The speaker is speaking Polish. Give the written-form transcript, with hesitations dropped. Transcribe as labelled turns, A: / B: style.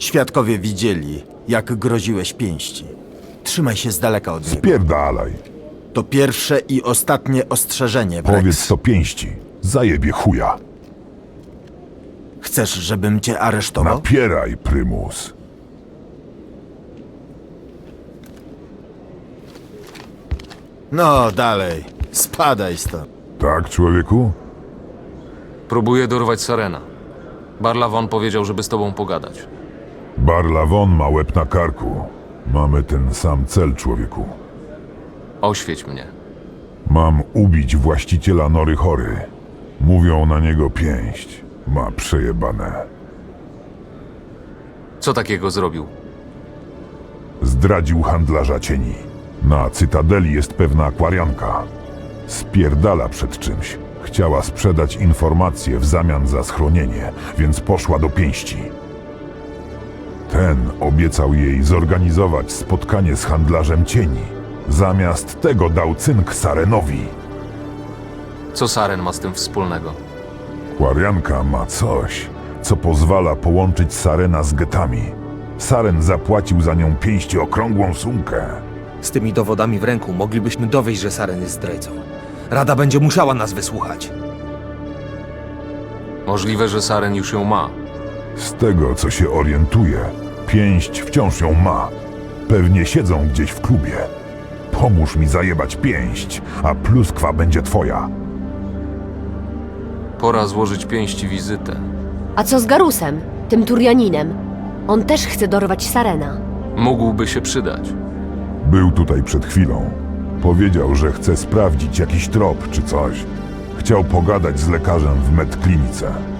A: Świadkowie widzieli, jak groziłeś pięści. Trzymaj się z daleka od niego.
B: Spierdalaj.
A: To pierwsze i ostatnie ostrzeżenie, Brex.
B: Powiedz to pięści. Zajebie chuja.
A: Chcesz, żebym cię aresztował?
B: Napieraj, prymus.
A: No, dalej. Spadaj stąd.
B: Tak, człowieku?
C: Próbuję dorwać Sarena. Barlawon powiedział, żeby z tobą pogadać.
B: Barlawon ma łeb na karku. Mamy ten sam cel, człowieku.
C: Oświeć mnie.
B: Mam ubić właściciela Nory Chory. Mówią na niego pięść. Ma przejebane.
C: Co takiego zrobił?
B: Zdradził handlarza cieni. Na Cytadeli jest pewna akwarianka. Spierdala przed czymś. Chciała sprzedać informacje w zamian za schronienie, więc poszła do pięści. Ten obiecał jej zorganizować spotkanie z handlarzem cieni. Zamiast tego dał cynk Sarenowi.
C: Co Saren ma z tym wspólnego?
B: Akwarianka ma coś, co pozwala połączyć Sarena z getami. Saren zapłacił za nią pięści okrągłą sumkę.
D: Z tymi dowodami w ręku moglibyśmy dowieść, że Saren jest zdrajcą. Rada będzie musiała nas wysłuchać.
C: Możliwe, że Saren już ją ma.
B: Z tego, co się orientuje, pięść wciąż ją ma. Pewnie siedzą gdzieś w klubie. Pomóż mi zajebać pięść, a pluskwa będzie twoja.
C: Pora złożyć pięści wizytę.
E: A co z Garusem, tym Turianinem? On też chce dorwać Sarena.
C: Mógłby się przydać.
B: Był tutaj przed chwilą. Powiedział, że chce sprawdzić jakiś trop czy coś. Chciał pogadać z lekarzem w medklinice.